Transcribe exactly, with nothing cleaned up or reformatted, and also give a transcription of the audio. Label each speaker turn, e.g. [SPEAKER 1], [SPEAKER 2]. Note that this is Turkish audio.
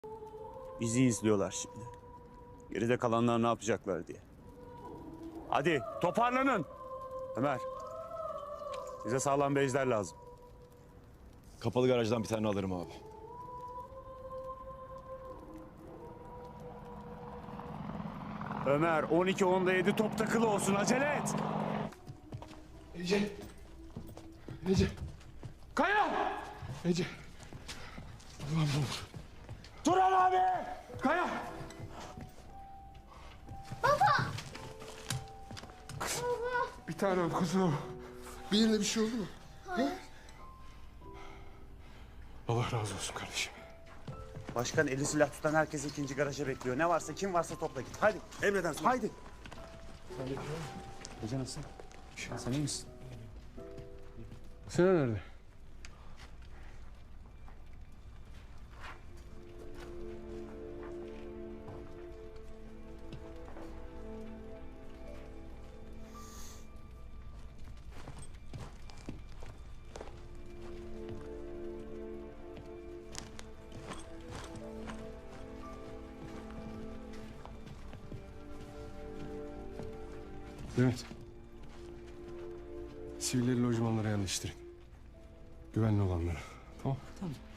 [SPEAKER 1] Bizi izliyorlar şimdi. Geride kalanlar ne yapacaklar diye. Hadi toparlanın. Ömer. Bize sağlam bejler lazım.
[SPEAKER 2] Kapalı garajdan bir tane alırım abi.
[SPEAKER 1] Ömer on iki onda yedi top takılı olsun, acele et.
[SPEAKER 3] Ece. Ece. Kaya. Ece. Ulan ne olur.
[SPEAKER 1] Turan abi.
[SPEAKER 3] Kaya. Bir tane kuzum.
[SPEAKER 4] Bir yerine bir şey oldu mu?
[SPEAKER 3] Allah razı olsun kardeşim.
[SPEAKER 1] Başkan eli silah tutan herkes ikinci garaja bekliyor. Ne varsa kim varsa topla git. Hadi emreden sonra. Haydi. Ece nasıl? Sen iyi misin?
[SPEAKER 3] Sinan nerede? Mehmet. Sivilleri lojmanlara yerleştirin. Güvenli olanlara. Tamam.
[SPEAKER 5] Tamam.